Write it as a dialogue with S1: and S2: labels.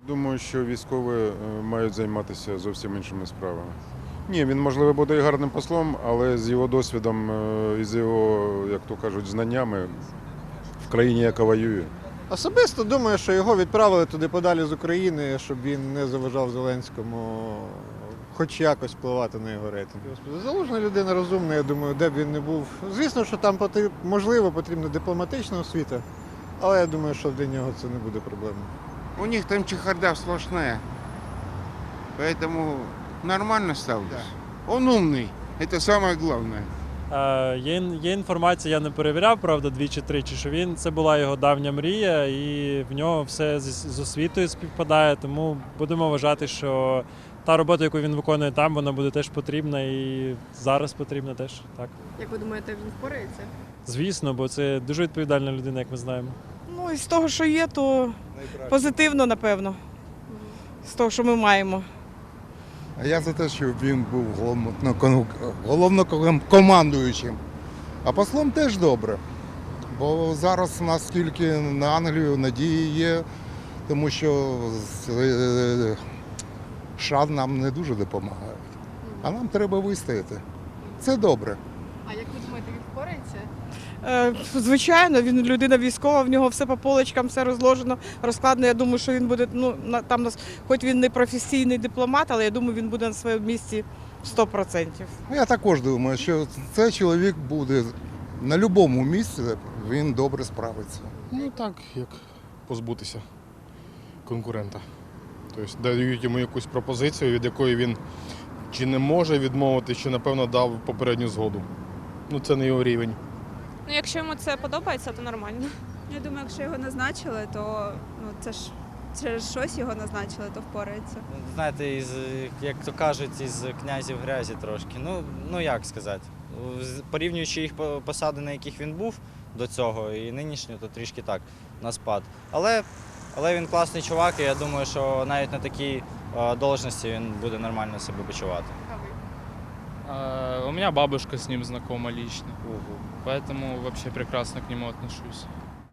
S1: Думаю, що військові мають займатися зовсім іншими справами. Ні, він, можливо, буде і гарним послом, але з його досвідом і з його, як то кажуть, знаннями в країні, яка воює.
S2: Особисто думаю, що його відправили туди подалі з України, щоб він не заважав Зеленському хоч якось впливати на його рейтинг. Залужна людина розумна, я думаю, де б він не був. Звісно, що там можливо потрібна дипломатична освіта, але я думаю, що для нього це не буде проблемою.
S3: У них там чехарда сплошная. Поэтому нормально ставлюсь. Он умный. Это самое главное.
S4: Є інформація, я не перевіряв, правда, 2 чи 3, що це була його давня мрія, і в нього все з освітою співпадає, тому будемо вважати, що та робота, яку він виконує там, вона буде теж потрібна і зараз потрібна теж. Так.
S5: Як ви думаєте, він впорається?
S4: Звісно, бо це дуже відповідальна людина, як ми знаємо.
S6: Ну, із того, що є, то позитивно, напевно. З того, що ми маємо.
S7: А я за те, щоб він був головнокомандуючим. А послом теж добре. Бо зараз у нас тільки на Англію надії є, тому що США нам не дуже допомагають. А нам треба вистояти. Це добре.
S5: А як ви думаєте, він впорається?
S6: Звичайно, він людина військова, в нього все по полочкам, все розложено, розкладено. Я думаю, що він буде, там нас, хоч він не професійний дипломат, але я думаю, він буде на своєму місці 100%.
S7: Я також думаю, що цей чоловік буде на будь-якому місці, він добре справиться.
S8: Ну так, як позбутися конкурента. Тобто дають йому якусь пропозицію, від якої він чи не може відмовити, чи, напевно, дав попередню згоду. Ну, це не його рівень.
S9: Ну, якщо йому це подобається, то нормально.
S10: Я думаю, якщо його назначили, то це ж через щось його назначили, то впорається.
S11: Знаєте, як то кажуть, із князів грязі трошки. Ну як сказати, порівнюючи їх посади, на яких він був до цього, і нинішню, то трішки так, на спад. Але він класний чувак, і я думаю, що навіть на такій должності він буде нормально себе почувати.
S12: У меня бабушка с ним знакома лично, поэтому вообще прекрасно к нему отношусь.